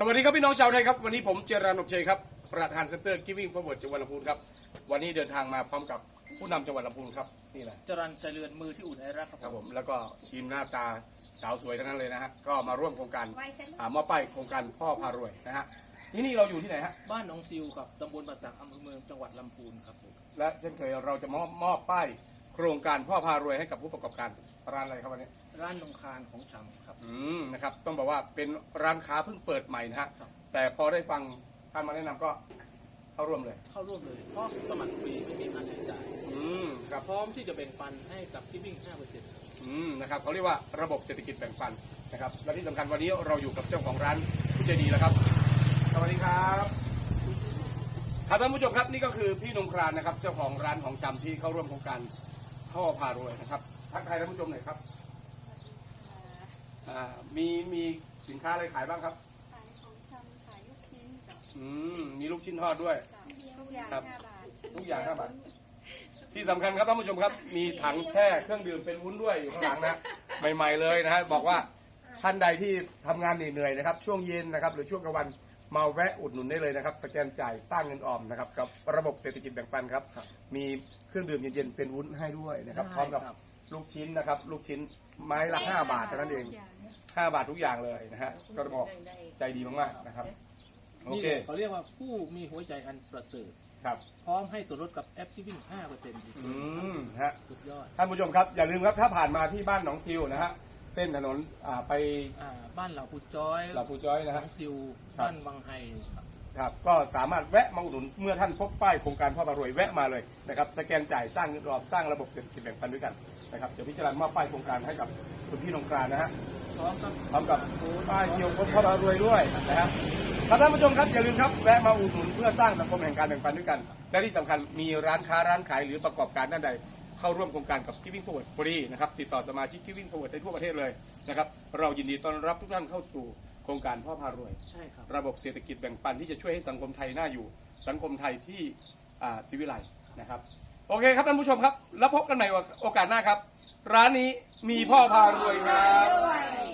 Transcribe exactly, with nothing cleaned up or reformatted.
สวัสดีครับพี่น้องชาวไทยครับวันนี้ผมเจริญอบเชยครับประธานเซ็นเตอร์ Giving Forward จังหวัดลำพูนครับวันนี้เดินทางมาพร้อมกับผู้นำจังหวัดลำพูนครับนี่แหละจรัญใจเรือนมือที่อุ่นไอรักครับครับผมแล้วก็ทีมหน้าตาสาวสวยทั้งนั้นเลยนะฮะก็มาร่วมโครงการอ่ามอบป้ายโครงการพ่อพารวยนะฮะที่นี่เราอยู่ที่ไหนฮะบ้านหนองซิวครับตำบลปราสาทอำเภอเมืองจังหวัดลำพูนครับผมและเช่นเคยเราจะมอบมอบป้ายโครงการพ่อพารวยให้กับผู้ประกอบการร้านอะไรครับวันนี้ร้านนงคารของชำครับอืมนะครับต้องบอกว่าเป็นร้านค้าเพิ่งเปิดใหม่นะฮะแต่พอได้ฟังท่านมาแนะนำก็เข้าร่วมเลยเข้าร่วมเลยเพราะสมัครฟรีไม่มีค่าใช้จ่ายอืมครับพร้อมที่จะแบ่งปันให้กับที่วิ่ง ห้าเปอร์เซ็นต์อืมนะครับเขาเรียกว่าระบบเศรษฐกิจแบ่งปันนะครับและที่สำคัญวันนี้เราอยู่กับเจ้าของร้านผู้ใจดีแล้วครับสวัสดีครับครับท่านผู้ชมครับนี่ก็คือพี่นงครานนะครับเจ้าของร้านของชำที่เข้าร่วมโครงการพ่อพารวยนะครับทักทายท่านผู้ชมหน่อยครับอ่ามีมีสินค้าอะไรขายบ้างครับขายของชำขายลูกชิ้นกับอืมมีลูกชิ้นทอดด้วยทุกอย่างครับห้าบาททุกอย่างห้าบาทที่สำคัญครับท่านผู้ชมครับมีถังแช่เครื่องดื่มเป็นวุ้นด้วยอยู่ข้างหลังนะใหม่ๆเลยนะฮะบอกว่าท่านใดที่ทำงานเหนื่อยๆนะครับช่วงเย็นนะครับหรือช่วงกลางวันมาแวะอุดหนุนได้เลยนะครับสแกนจ่ายสร้างเงินออมนะครับกับระบบเศรษฐกิจแบ่งปันครับมีเครื่องดื่มเย็นๆเป็นวุ้นให้ด้วยนะครับพร้อมกับลูกชิ้นนะครับลูกชิ้นไม้ละห้าบาทเท่านั้นเองห้าบาททุกอย่างเลยนะฮะก็บอกใจดีมากๆนะครับโอนี่เคเขาเรียกว่าผู้มีหัวใจอันประเสริฐครับพร้อมให้ส่วนลดกับแอปที่วิ่ง ห้าเปอร์เซ็นต์อืมฮะสุดยอดท่านผู้ชมครับอย่าลืมครับถ้าผ่านมาที่บ้านหนองซิวนะฮะเส้นถนนอ่าไปอ่าบ้านเหล่าปูจ้อยหลับปูจ้อยนะหนฮะองซิวครับบ้านวังไฮครับครับก็สามารถแวะมาอุดหนุนเมื่อท่านพบป้ายโครงการพ่อพารวยแวะมาเลยนะครับสแกนจ่ายสร้างเงินออมสร้างระบบเศรษฐกิจแบ่งปันด้วยกันนะครับเดี๋ยวพิจารณามอบป้ายโครงการให้กับคุณพี่นงกรานนะฮะพร้อมกับพร้อมกับป้ายเกี่ยวกับพ่อพารวยด้วยนะครับครับท่านผู้ชมครับอย่าลืมครับแวะมาอุดหนุนเพื่อสร้างสังคมแห่งการแบ่งปันด้วยกันและที่สำคัญมีร้านค้าร้านขายหรือประกอบการด้านใดเข้าร่วมโครงการกับ Giving Forward ฟรีนะครับติดต่อสมาชิก Giving Forward ได้ทั่วประเทศเลยนะครับเรายินดีต้อนรับทุกท่านเข้าสู่โครงการพ่อพารวยใช่ครับระบบเศรษฐกิจแบ่งปันที่จะช่วยให้สังคมไทยน่าอยู่สังคมไทยที่อ่าศิวิไลนะครับโอเคครับท่านผู้ชมครับแล้วพบกันใหม่โอกาสหน้าครับ ร้านนี้มีพ่อพารวยครับ